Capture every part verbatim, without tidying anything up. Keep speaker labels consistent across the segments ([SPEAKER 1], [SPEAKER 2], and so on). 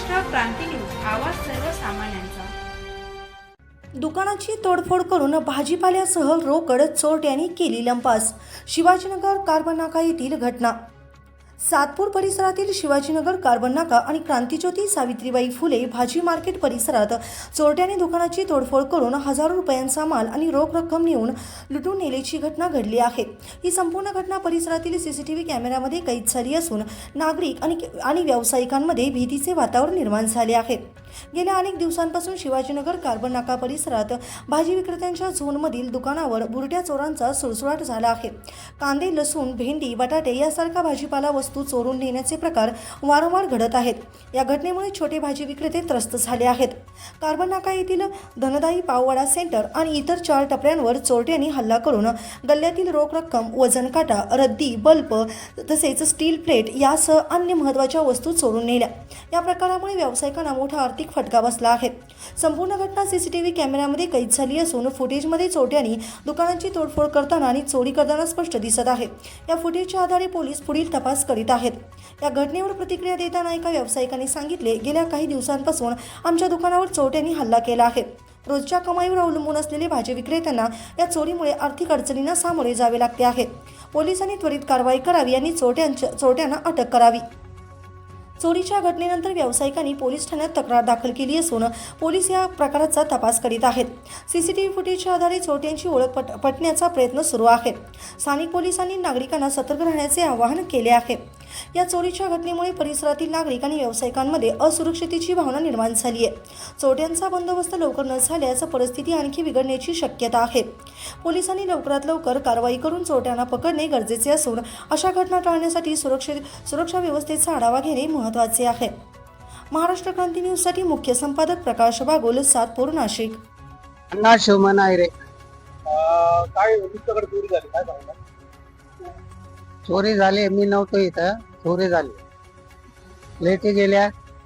[SPEAKER 1] Maharashtra Kranti news, आवाज सर्वसामान्यांचा।
[SPEAKER 2] दुकानाची तोडफोड करून भाजीपाल्यासह रोकड चोरट्यांनी केली लंपास। शिवाजीनगर कार्बन नाका येथील घटना। सातपूर परिसरातील शिवाजीनगर कार्बन नाका आणि क्रांतिज्योती सावित्रीबाई फुले भाजी मार्केट परिसरात चोरट्यांनी दुकानाची तोडफोड करून हजारो रुपयांचा माल आणि रोख रक्कम नेऊन लुटून नेल्याची घटना घडली आहे। ही संपूर्ण घटना परिसरातील सीसीटीव्ही कॅमेऱ्यामध्ये कैद झाली असून नागरिक आणि आणि व्यावसायिकांमध्ये भीतीचे वातावरण निर्माण झाले आहे। गेल्या अनेक दिवसांपासून शिवाजीनगर कार्बन नाका परिसरात भाजी विक्रेत्यांच्या झोनमधील दुकानावर बुरट्या चोरांचा सुळसुळाट झाला आहे। कांदे, लसूण, भेंडी, बटाटे यासारखा भाजीपाला वस्तू चोरून नेण्याचे प्रकार वारंवार घडत आहेत। या घटनेमुळे छोटे भाजी विक्रेते त्रस्त झाले आहेत। कार्बन नाका येथील धनदाई पाववाडा सेंटर आणि इतर चार टपऱ्यांवर चोरट्यांनी हल्ला करून गल्ल्यातील रोख रक्कम, वजन काटा, रद्दी, बल्ब तसेच स्टील प्लेट यासह अन्य महत्त्वाच्या वस्तू चोरून नेल्या। या प्रकारामुळे व्यावसायिकांना मोठा आर्थिक फटका बसला आहे। संपूर्ण घटना सीसीटीव्ही कॅमेऱ्यामध्ये कैद झाली असून फुटेजमध्ये चोरट्यांनी दुकानाची तोडफोड करताना आणि चोरी करताना स्पष्ट दिसत आहे। या फुटेजच्या आधारे पोलीस पुढील तपास करीत आहेत। या घटनेवर प्रतिक्रिया देताना एका व्यावसायिकाने सांगितले, गेल्या काही दिवसांपासून आमच्या दुकानावर चोरट्यांनी हल्ला केला आहे। रोजच्या कमाईवर अवलंबून असलेले भाजी विक्रेत्यांना या चोरीमुळे आर्थिक अडचणींना सामोरे जावे लागते आहे। पोलिसांनी त्वरित कारवाई करावी आणि चोरट्यांच्या चोरट्यांना अटक करावी। चोरीच्या घटनेनंतर व्यावसायिकांनी पोलीस ठाण्यात तक्रार दाखल केली असून पोलीस या प्रकाराचा तपास करीत आहेत। सीसीटीव्ही फुटेजच्या आधारे चोरट्यांची ओळख पट पटण्याचा प्रयत्न सुरू आहे। स्थानिक पोलिसांनी नागरिकांना सतर्क राहण्याचे आवाहन केले आहे। या चोरीच्या घटनेमुळे परिसरातील नागरिक आणि व्यावसायिकांमध्ये असुरक्षिततेची भावना निर्माण झाली आहे। चोरट्यांचा बंदोबस्त लवकर न झाल्यास परिस्थिती आणखी बिघडण्याची शक्यता आहे। पोलिसांनी लवकरात लवकर कारवाई करून चोरट्यांना पकडणे गरजेचे असून अशा घटना टाळण्यासाठी सुरक्षित सुरक्षा व्यवस्थेचा आढावा घेणे महत्त्वाचे आहे। महाराष्ट्र क्रांती न्यूजसाठी मुख्य संपादक प्रकाश बागोल, सातपूर, नाशिक।
[SPEAKER 3] अण्णा शिवमन आहे रे। काय तुमच्याकडे चोरी झाली, काय सांगता? चोरी झाली, मी नव्हतो इथं, चोरी झाली। लेटी गेल्या,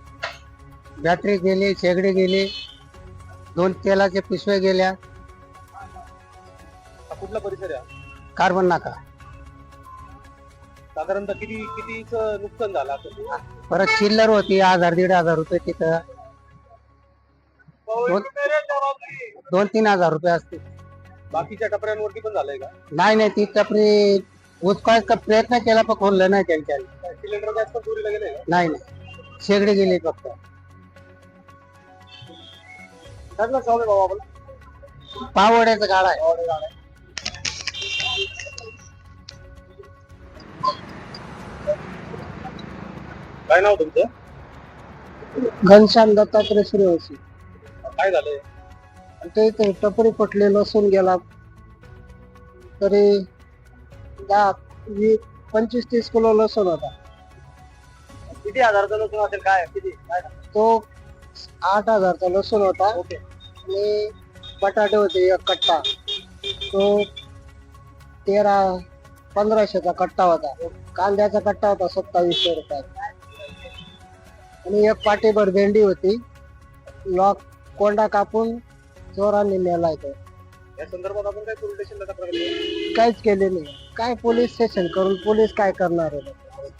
[SPEAKER 3] बॅटरी गेली, शेगडी गेली, दोन तेलाचे पिशवे गेल्या।
[SPEAKER 4] कुठला परिसर आहे?
[SPEAKER 3] कार्बन नाका।
[SPEAKER 4] साधारणतः किती कितीचं नुकसान झालं असं?
[SPEAKER 3] परत चिल्लर होती हजार दीड हजार रुपये तिथं, दोन दोन तीन हजार रुपये असते।
[SPEAKER 4] बाकीच्या टपऱ्यांवरती पण झालंय का?
[SPEAKER 3] नाही नाही, ती टपरी उचकायचा प्रयत्न केला पण खोललं नाही त्यांच्या।
[SPEAKER 4] सिलेंडर गॅस पण चोरीला गेले का?
[SPEAKER 3] नाही नाही, शेगडी गेली फक्त।
[SPEAKER 4] त्यातला शॉप आहे बाबा आपला?
[SPEAKER 3] पावड्याचा गाडा आहे।
[SPEAKER 4] काय नाव तुमचं?
[SPEAKER 3] घनश्याम दत्तात्रय सूर्यवंशी।
[SPEAKER 4] काय झालंय?
[SPEAKER 3] ते इथे टपरी पटले, लसूण गेला तरी दहा वीस पंचवीस तीस किलो लसूण होता।
[SPEAKER 4] किती हजारचा लसूण असेल? काय किती काय?
[SPEAKER 3] तो आठ हजारचा लसूण होता।
[SPEAKER 4] ओके।
[SPEAKER 3] आणि बटाटे होते एक कट्टा, तो तेरा पंधराशेचा कट्टा होता। कांद्याचा कट्टा होता सत्तावीसशे रुपयाचा। आणि एक पाटीभर भेंडी होती, लॉक कोंडा कापून चोरांनी नेलाय। तो
[SPEAKER 4] या संदर्भात आपण काय पोलीस स्टेशनला तक्रार केली?
[SPEAKER 3] काहीच केले नाही। काय पोलीस स्टेशन करून पोलीस काय करणार आहे?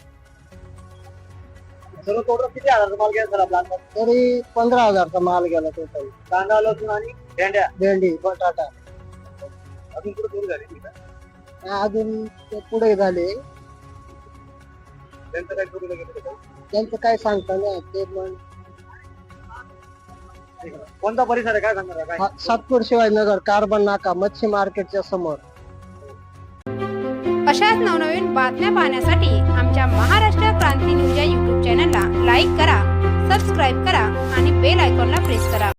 [SPEAKER 4] सर्व टोटल किती हजारचा माल गेला सर आपला?
[SPEAKER 3] तरी पंधरा हजारचा माल गेला टोटल।
[SPEAKER 4] कांदा, लसूण आणि भेंड्या,
[SPEAKER 3] भेंडी, बटाटा।
[SPEAKER 4] अजून कुठे चोरी झाली का?
[SPEAKER 3] अजून ते पुढे झाले,
[SPEAKER 4] त्यांचं काय चोरीला गेलं?
[SPEAKER 3] त्यांचं काय सांगता नाही ते पण।
[SPEAKER 4] कोणता परिसर आहे, काय सांगणार काय?
[SPEAKER 3] सातपूर शिवाजीनगर कार्बन नाका मच्छी मार्केटच्या समोर।
[SPEAKER 1] अशाच नवनवीन बातम्या पाहण्यासाठी आमच्या महाराष्ट्र क्रांती न्यूज या यूट्यूब चॅनलला लाईक करा, सबस्क्राईब करा आणि बेल आयकॉनला प्रेस करा।